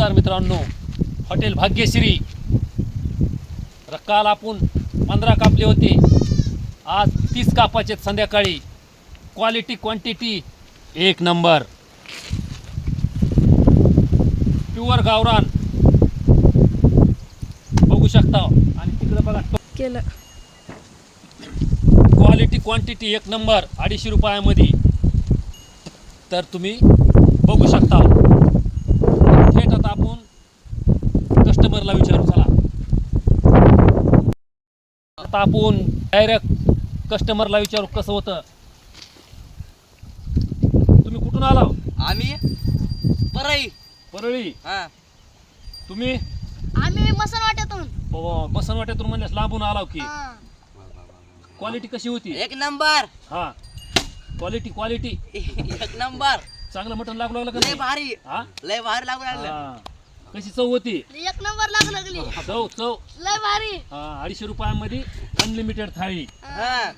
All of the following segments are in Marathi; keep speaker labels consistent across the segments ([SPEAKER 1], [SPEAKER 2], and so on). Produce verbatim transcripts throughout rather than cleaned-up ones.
[SPEAKER 1] नमस्कार मित्रांनो, हॉटेल भाग्यश्री. काल आपण पंधरा कापले होते, आज तीस कापाचे संध्याकाळी. क्वालिटी क्वांटिटी एक नंबर, प्युअर गावरान बघू शकता. आणि तिकडे बघा
[SPEAKER 2] केलं.
[SPEAKER 1] क्वालिटी क्वांटिटी एक नंबर, अडीचशे रुपयामध्ये. तर तुम्ही बघू शकता. थेट आता आपण कस्टमरला विचारू. चला आता आपण डायरेक्ट कस्टमरला विचारू कसं होतं. तुम्ही कुठून आला?
[SPEAKER 3] आम्ही परळी.
[SPEAKER 1] परळी.
[SPEAKER 3] हा,
[SPEAKER 1] तुम्ही
[SPEAKER 2] आम्ही मसनवाट्यातून.
[SPEAKER 1] बसनवाट्यातून म्हणल्यास लांबून आलाव की.
[SPEAKER 2] हा.
[SPEAKER 1] क्वालिटी कशी होती?
[SPEAKER 3] एक नंबर.
[SPEAKER 1] हा, क्वालिटी क्वालिटी
[SPEAKER 3] एक नंबर.
[SPEAKER 1] चांगलं मटण लागू लागलं का
[SPEAKER 3] लय
[SPEAKER 1] नाही?
[SPEAKER 3] भारी,
[SPEAKER 1] हा?
[SPEAKER 3] लय भारी लागू लागलं.
[SPEAKER 1] हा. कशी चव होती?
[SPEAKER 2] एक नंबर लागू लागली.
[SPEAKER 1] चव चव
[SPEAKER 2] लय भारी.
[SPEAKER 1] हा, अडीचशे रुपयामध्ये अनलिमिटेड थाळी.
[SPEAKER 3] हा,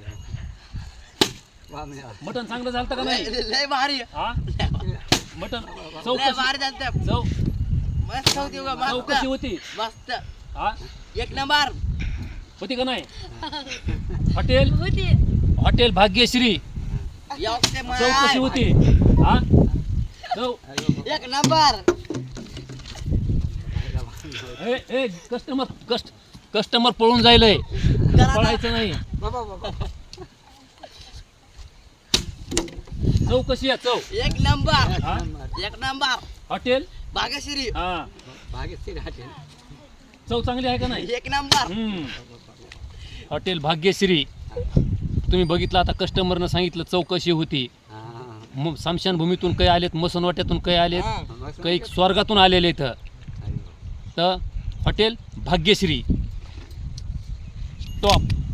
[SPEAKER 1] मटण चांगलं झालं का नाही?
[SPEAKER 3] लय लय भारी,
[SPEAKER 1] हा, मटण चव
[SPEAKER 3] लय
[SPEAKER 1] कशी?
[SPEAKER 3] भारी झालं.
[SPEAKER 1] चव
[SPEAKER 3] मस्त होती बघा,
[SPEAKER 1] चव कशी
[SPEAKER 3] मस्त
[SPEAKER 1] होती?
[SPEAKER 3] मस्त
[SPEAKER 1] हा,
[SPEAKER 3] एक नंबर.
[SPEAKER 1] होती का नाही? हॉटेल
[SPEAKER 2] होती.
[SPEAKER 1] हॉटेल भाग्यश्री.
[SPEAKER 3] योगते
[SPEAKER 1] चव कशी
[SPEAKER 3] माय.
[SPEAKER 1] होती? हा, चव.
[SPEAKER 3] एक नंबर.
[SPEAKER 1] ए ए कस्टमर कस्ट कस्टमर पळून जायलंय, पळायचं नाही. चव कशी आहे? चव
[SPEAKER 3] एक नंबर.
[SPEAKER 1] हा,
[SPEAKER 3] एक नंबर.
[SPEAKER 1] हॉटेल
[SPEAKER 3] भाग्यश्री.
[SPEAKER 1] हा, चव चांगली आहे का नाही?
[SPEAKER 3] एक नंबर.
[SPEAKER 1] हम्म. हॉटेल भाग्यश्री. तुम्ही बघितलं आता कस्टमरनं सांगितलं चव कशी होती. मग स्मशानभूमीतून काही आलेत, मसनवाट्यातून काही आलेत,
[SPEAKER 3] हा.
[SPEAKER 1] काही स्वर्गातून आलेले इथं. तर हॉटेल भाग्यश्री टॉप.